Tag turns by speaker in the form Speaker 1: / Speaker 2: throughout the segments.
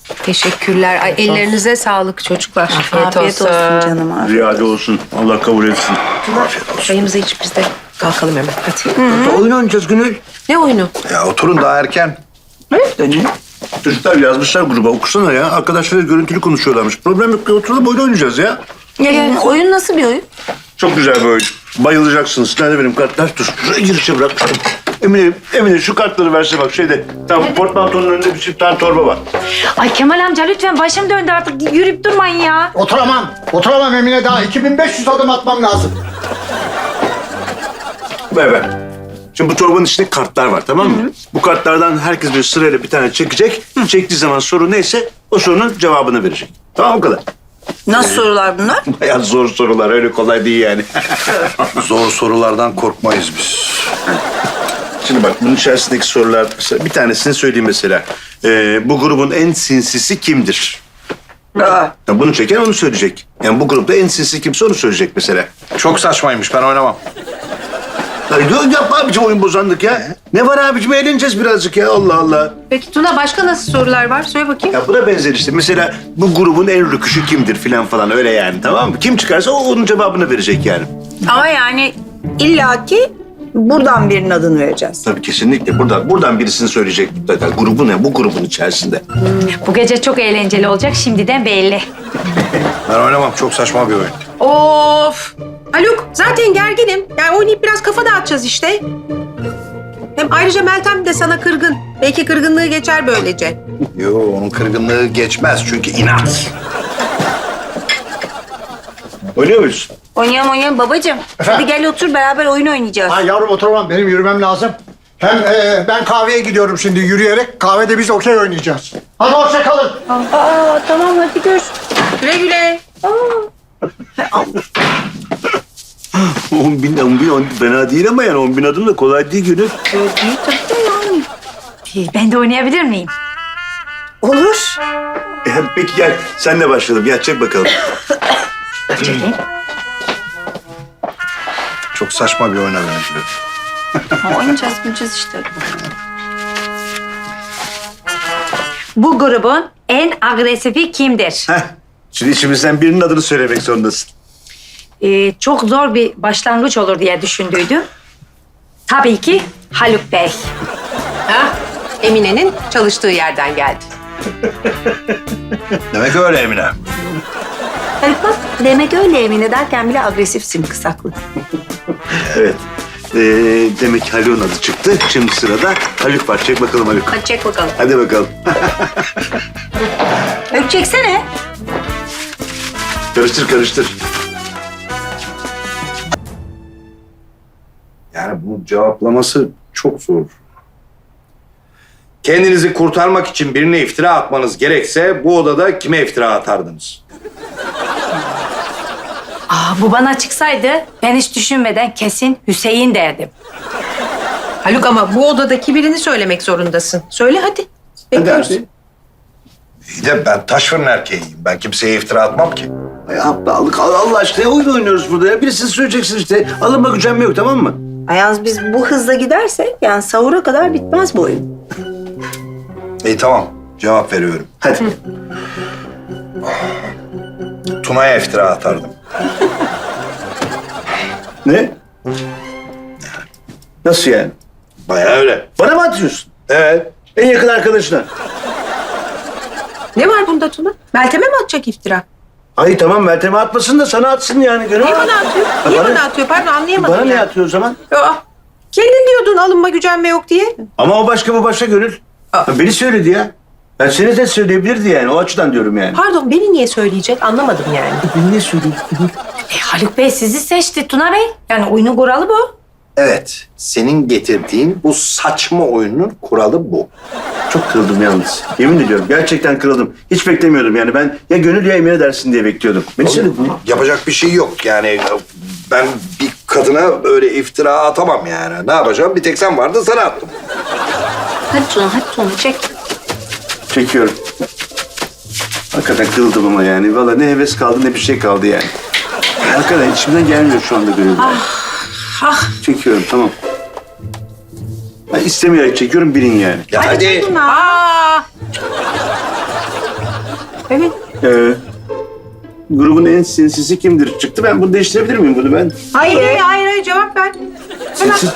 Speaker 1: Teşekkürler. Ay, ellerinize sağlık çocuklar.
Speaker 2: Afiyet olsun canım. Afiyet.
Speaker 3: Ziyade olsun. Allah kabul etsin.
Speaker 1: Çayımızı içip biz de kalkalım hemen. Hadi.
Speaker 3: Oyun oynayacağız Gönül.
Speaker 1: Ne oyunu?
Speaker 4: Ya oturun daha erken.
Speaker 3: Çocuklar yazmışlar gruba. Okusana ya. Arkadaşlar görüntülü konuşuyorlarmış. Problem yok. Oturalım oyun oynayacağız ya.
Speaker 2: Oyun nasıl bir oyun?
Speaker 3: Çok güzel bir oyun. Bayılacaksınız. Nerede benim kartlar? Dur. Şuraya girişe bırak. Emine şu kartları verse bak şeyde. Tamam portmantonun önünde bir çift tane torba var.
Speaker 5: Ay Kemal amca lütfen başım döndü artık. Yürüyüp durmayın ya.
Speaker 4: Oturamam. Oturamam Emine, daha 2500 adım atmam lazım.
Speaker 3: Ver. Şimdi bu torbanın içinde kartlar var, tamam mı? Bu kartlardan herkes bir sırayla bir tane çekecek. Çektiği zaman soru neyse o sorunun cevabını verecek. Tamam, o kadar.
Speaker 2: Nasıl sorular bunlar?
Speaker 3: Bayağı zor sorular, öyle kolay değil yani.
Speaker 4: Zor sorulardan korkmayız biz.
Speaker 3: Şimdi bak bunun içerisindeki sorular, bir tanesini söyleyeyim mesela. Bu grubun en sinsisi kimdir? Ya bunu çeken onu söyleyecek. Yani bu grupta en sinsi kimse onu söyleyecek mesela.
Speaker 4: Çok saçmaymış, ben oynamam.
Speaker 3: Yapma abicim oyun bozanlık ya. Ne var abicim, eğleneceğiz birazcık ya, Allah Allah.
Speaker 1: Peki Tuna, başka nasıl sorular var? Söyle bakayım.
Speaker 3: Ya buna benzer işte. Mesela bu grubun en rüküşü kimdir filan falan, öyle yani, tamam mı? Kim çıkarsa o onun cevabını verecek yani.
Speaker 2: Ama yani illaki buradan birinin adını vereceğiz.
Speaker 3: Tabii kesinlikle. Buradan birisini söyleyecek mutlaka. Grubu ne? Bu grubun içerisinde.
Speaker 5: Bu gece çok eğlenceli olacak şimdiden belli.
Speaker 4: Ben oynamam, çok saçma bir oyun.
Speaker 1: Of! Haluk, zaten gerginim. Yani oynayıp biraz kafa dağıtacağız işte. Hem ayrıca Meltem de sana kırgın. Belki kırgınlığı geçer böylece.
Speaker 4: Yo, onun kırgınlığı geçmez çünkü inat.
Speaker 3: Oynuyor muyuz?
Speaker 2: Oynayalım babacığım. Hadi gel otur, beraber oyun oynayacağız.
Speaker 6: Ha yavrum oturamam, benim yürümem lazım. Hem ben kahveye gidiyorum şimdi yürüyerek. Kahvede biz okey oynayacağız. Hadi hoşça kalın.
Speaker 2: Aa tamam, hadi gör.
Speaker 1: Güle güle.
Speaker 3: 10.000 fena değil ama yani 10.000 adım da kolay değil Gönül.
Speaker 5: Ben de oynayabilir miyim?
Speaker 2: Olur.
Speaker 3: Peki gel, senle başlayalım. Gel çek bakalım.
Speaker 5: Çekeyim.
Speaker 4: Çok saçma bir oyuna benziyor.
Speaker 2: Oynayacağız işte.
Speaker 5: Bu grubun en agresifi kimdir?
Speaker 3: Heh. Şimdi içimizden birinin adını söylemek zorundasın.
Speaker 5: Çok zor bir başlangıç olur diye düşündüydüm. Tabii ki Haluk Bey.
Speaker 1: Ha? Emine'nin çalıştığı yerden geldi.
Speaker 4: Demek öyle Emine.
Speaker 2: Haluk bak, demek öyle Emine derken bile agresifsin kısaklı.
Speaker 3: Evet. Demek ki Haluk'un adı çıktı. Şimdi sırada Haluk var. Çek bakalım Haluk.
Speaker 2: Hadi çek bakalım.
Speaker 3: Hadi bakalım.
Speaker 2: Haluk çeksene.
Speaker 3: Karıştır.
Speaker 4: Yani bu cevaplaması çok zor. Kendinizi kurtarmak için birine iftira atmanız gerekse bu odada kime iftira atardınız?
Speaker 5: Bu bana çıksaydı ben hiç düşünmeden kesin Hüseyin derdim.
Speaker 1: Haluk, ama bu odadaki birini söylemek zorundasın. Söyle hadi. Bekliyoruz.
Speaker 4: İyi de ben taş fırın erkeğiyim. Ben kimseye iftira atmam ki.
Speaker 3: Ay aptallık. Allah aşkına oyun oynuyoruz burada ya. Birisini söyleyeceksin işte. Alınma gücenme yok, tamam mı?
Speaker 2: Ayaz, biz bu hızla gidersek yani sahura kadar bitmez bu oyun.
Speaker 4: İyi tamam. Cevap veriyorum.
Speaker 3: Hadi.
Speaker 4: Tuna'ya iftira atardım.
Speaker 3: Ne? Nasıl yani?
Speaker 4: Bayağı öyle.
Speaker 3: Bana mı atıyorsun?
Speaker 4: Evet.
Speaker 3: En yakın arkadaşına.
Speaker 1: Ne var bunda Tuna? Meltem'e mi atacak iftira?
Speaker 3: Ay tamam, Meltem'e atmasın da sana atsın yani. Gönül.
Speaker 1: Niye bana atıyor? Niye bana atıyor? Pardon, anlayamadım
Speaker 3: Bana
Speaker 1: ya.
Speaker 3: ne atıyor o zaman?
Speaker 1: Aa, kendin diyordun alınma gücenme yok diye.
Speaker 3: Ama o başka, bu başka Gönül. Beni söyledi ya. Ben seni de söyleyebilirdi yani. O açıdan diyorum yani.
Speaker 1: Pardon, beni niye söyleyecek? Anlamadım yani.
Speaker 3: Beni niye söyledi?
Speaker 5: Haluk Bey sizi seçti Tuna Bey. Yani oyunun kuralı bu.
Speaker 4: Evet. Senin getirdiğin bu saçma oyunun kuralı bu.
Speaker 3: Çok kırıldım yalnız. Yemin ediyorum. Gerçekten kırıldım. Hiç beklemiyordum yani. Ben ya Gönül ya Emine dersin diye bekliyordum. Beni söyledi.
Speaker 4: Yapacak bir şey yok. Yani ben bir kadına öyle iftira atamam yani. Ne yapacağım? Bir tek sen vardın, sana attım.
Speaker 2: Hadi Tuna çek.
Speaker 3: Çekiyorum. Hakikaten kırıldım ama yani. Vallahi ne heves kaldı ne bir şey kaldı yani. Hakikaten içimden gelmiyor şu anda Gönül. Çekiyorum, tamam. Ben istemeyerek çekiyorum, bilin yani.
Speaker 4: Ya hadi.
Speaker 1: Aa, Evet.
Speaker 3: Grubun en sinsisi kimdir? Çıktı. Ben bunu değiştirebilir miyim bunu ben?
Speaker 1: Hayır, cevap ver. Hemen.
Speaker 3: Sinsi.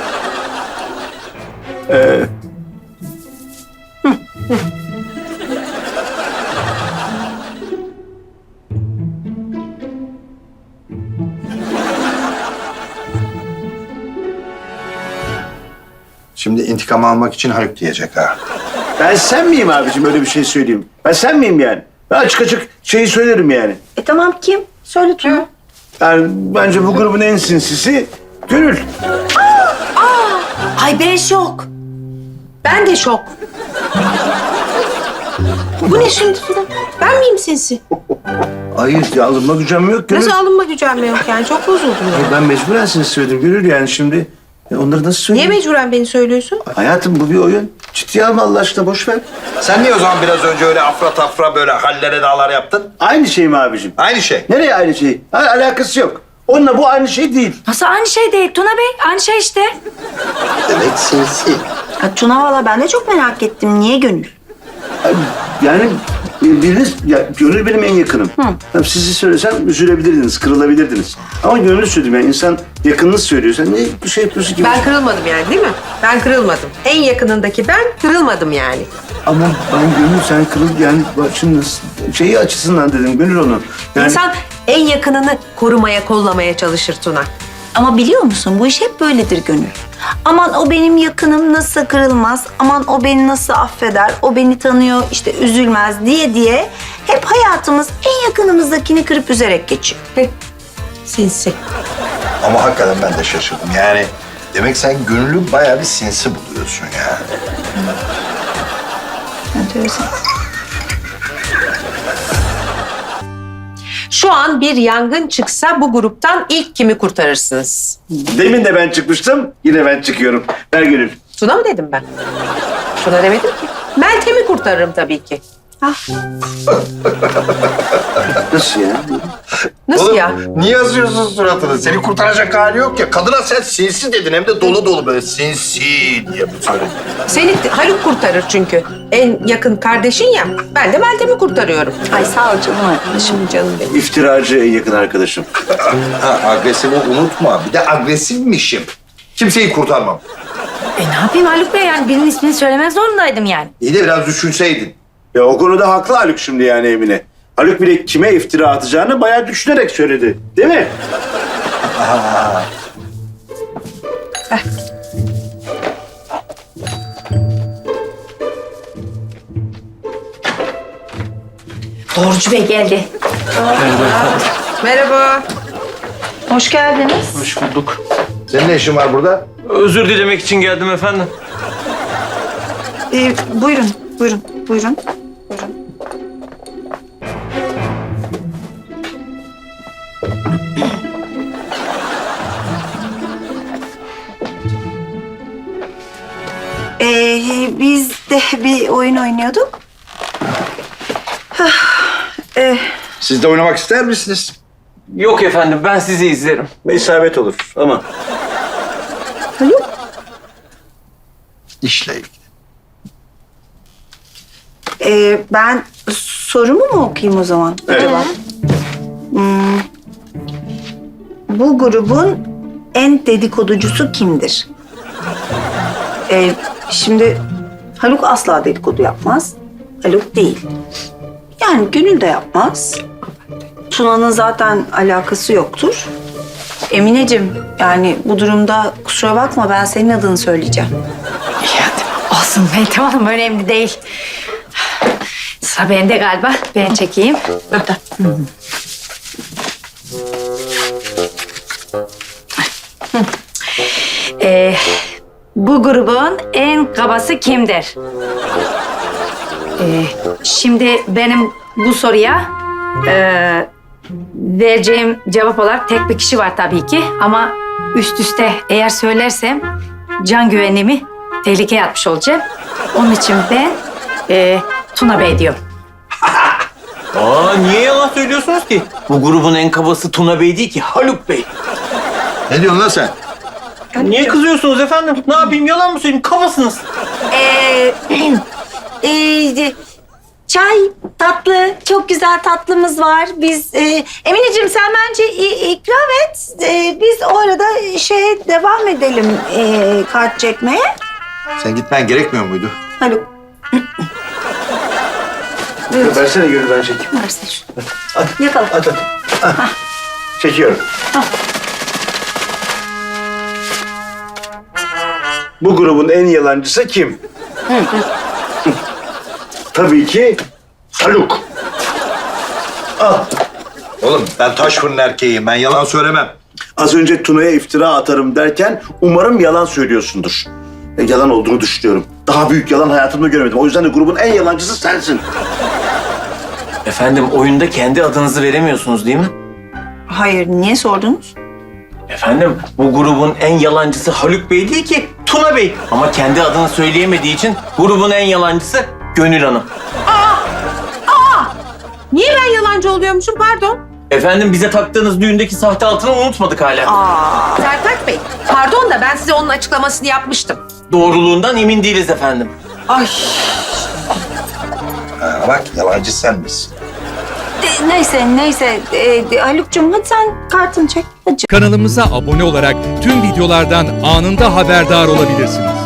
Speaker 4: Şimdi intikam almak için Haluk diyecek ha.
Speaker 3: Ben sen miyim abicim öyle bir şey söyleyeyim? Ben sen miyim yani? Ben açık açık şeyi söylerim yani.
Speaker 2: Tamam kim? Söyle Tuna.
Speaker 3: Yani bence bu grubun en sinsisi Gönül.
Speaker 2: Ay ben şok.
Speaker 1: Ben de şok. Bu ne şimdi Tuna? Ben miyim sinsi?
Speaker 3: Hayır ya alınma gücüm yok Gönül.
Speaker 1: Nasıl alınma gücenme yok yani? Çok bozuldum ya.
Speaker 3: Ben mecburen sinsi söyledim Gönül yani şimdi. Onları nasıl
Speaker 1: Niye
Speaker 3: söyleyeyim?
Speaker 1: mecburen beni söylüyorsun?
Speaker 3: Hayatım bu bir oyun. Ciddiye alma Allah aşkına boş ver.
Speaker 4: Sen niye o zaman biraz önce öyle afra tafra böyle hallere dağlar yaptın?
Speaker 3: Aynı şey mi abicim?
Speaker 4: Aynı şey.
Speaker 3: Nereye aynı şey? Alakası yok. Onunla bu aynı şey değil.
Speaker 5: Nasıl aynı şey değil Tuna Bey? Aynı şey işte.
Speaker 4: Demek sinsi.
Speaker 2: Tuna valla ben de çok merak ettim. Niye Gönül?
Speaker 3: Yani biriniz, ya Gönül benim en yakınım. Tabii sizi söylesem üzülebilirdiniz, kırılabilirdiniz. Ama Gönül söyledim yani insan yakınını söylüyor. Sen ne bir şey yapıyorsun ki?
Speaker 1: Ben kırılmadım yani değil mi? Ben kırılmadım. En yakınındaki ben kırılmadım yani.
Speaker 3: Ama ben Gönül sen kırıl yani bak şimdi şeyi açısından dedim Gönül onu. Yani
Speaker 1: İnsan en yakınını korumaya, kollamaya çalışır Tuna.
Speaker 2: Ama biliyor musun bu iş hep böyledir Gönül. Aman o benim yakınım nasıl kırılmaz, aman o beni nasıl affeder, o beni tanıyor işte üzülmez diye hep hayatımız en yakınımızdakini kırıp üzerek geçiyor.
Speaker 1: Sinsi.
Speaker 4: Ama hakikaten ben de şaşırdım. Yani demek sen Gönül'ü bayağı bir sinsi buluyorsun ya.
Speaker 2: Enteresan.
Speaker 1: Şu an bir yangın çıksa bu gruptan ilk kimi kurtarırsınız?
Speaker 3: demin de ben çıkmıştım, yine ben çıkıyorum. Ver Gönül.
Speaker 1: Tuna mı dedim ben? Tuna demedim ki. Meltem'i kurtarırım tabii ki.
Speaker 3: Nasıl ya?
Speaker 1: Nasıl
Speaker 4: Oğlum,
Speaker 1: ya?
Speaker 4: niye yazıyorsun suratını? Seni kurtaracak hali yok ya. Kadına sen sinsi dedin hem de dolu dolu böyle sinsi diye söyledin.
Speaker 1: Seni Haluk kurtarır çünkü. En yakın kardeşin ya. Ben de Meltem'i kurtarıyorum.
Speaker 2: Ay sağ ol canım arkadaşım.
Speaker 1: Şimdi canım benim.
Speaker 3: İftiracı en yakın arkadaşım.
Speaker 4: Ha, agresifi unutma. Bir de agresifmişim. Kimseyi kurtarmam.
Speaker 5: Ne yapayım Haluk Bey yani birinin ismini söylemek zorundaydım yani.
Speaker 4: İyi de biraz düşünseydin.
Speaker 3: Ya o konuda haklı Haluk şimdi yani Emine. Haluk bile kime iftira atacağını bayağı düşünerek söyledi. Değil mi?
Speaker 5: Doğrucu Bey geldi.
Speaker 1: Merhaba.
Speaker 2: Hoş geldiniz.
Speaker 7: Hoş bulduk.
Speaker 4: Senin ne işin var burada?
Speaker 7: Özür dilemek için geldim efendim.
Speaker 2: Buyurun. Biz de bir oyun oynuyorduk.
Speaker 4: Siz de oynamak ister misiniz?
Speaker 7: Yok efendim, ben sizi izlerim.
Speaker 3: İsabet olur ama.
Speaker 4: İşle ilgili.
Speaker 2: Ben sorumu mu okuyayım o zaman?
Speaker 3: Evet.
Speaker 2: Acaba? Bu grubun en dedikoducusu kimdir? Şimdi Haluk asla dedikodu yapmaz. Haluk değil. Yani Gönül de yapmaz. Tuna'nın zaten alakası yoktur. Emineciğim yani bu durumda kusura bakma ben senin adını söyleyeceğim.
Speaker 5: Olsun Meltem Hanım önemli değil. Sıra bende galiba. Ben çekeyim. Bu grubun en kabası kimdir? Şimdi benim bu soruya vereceğim cevap olarak tek bir kişi var tabii ki. Ama üst üste eğer söylersem can güvenliğimi tehlikeye atmış olacağım. Onun için ben Tuna Bey diyorum.
Speaker 7: Niye yalan söylüyorsunuz ki? Bu grubun en kabası Tuna Bey değil ki, Haluk Bey.
Speaker 4: Ne diyorsun lan sen?
Speaker 7: Niye kızıyorsunuz efendim? Ne yapayım, yalan mı söyleyeyim? Kabasınız.
Speaker 2: çay, tatlı, çok güzel tatlımız var. Biz, Emineciğim sen bence ikram et. Biz o arada devam edelim kart çekmeye.
Speaker 4: Sen gitmen gerekmiyor muydu?
Speaker 2: Haluk,
Speaker 3: Versene Gönül, ben çekeyim.
Speaker 2: versene şunu. Yakala.
Speaker 3: At. Çekiyorum. Bu grubun en yalancısı kim? Tabii ki Haluk.
Speaker 4: Oğlum ben taş fırın erkeğiyim. Ben yalan söylemem.
Speaker 3: Az önce Tuna'ya iftira atarım derken umarım yalan söylüyorsundur. Yalan olduğunu düşünüyorum. Daha büyük yalan hayatımda göremedim. O yüzden de grubun en yalancısı sensin.
Speaker 7: Efendim oyunda kendi adınızı veremiyorsunuz değil mi?
Speaker 2: Hayır, niye sordunuz?
Speaker 7: Efendim bu grubun en yalancısı Haluk Bey değil ki Tuna Bey. Ama kendi adını söyleyemediği için grubun en yalancısı Gönül Hanım.
Speaker 1: Niye ben yalancı oluyormuşum pardon?
Speaker 7: Efendim bize taktığınız düğündeki sahte altını unutmadık hala.
Speaker 1: Sertaç Bey pardon da ben size onun açıklamasını yapmıştım.
Speaker 7: Doğruluğundan emin değiliz efendim.
Speaker 1: Ay
Speaker 4: Ha, bak yalancı sen misin?
Speaker 2: Neyse. Haluk'cum hadi sen kartını çek. Hadi.
Speaker 8: Kanalımıza abone olarak tüm videolardan anında haberdar olabilirsiniz.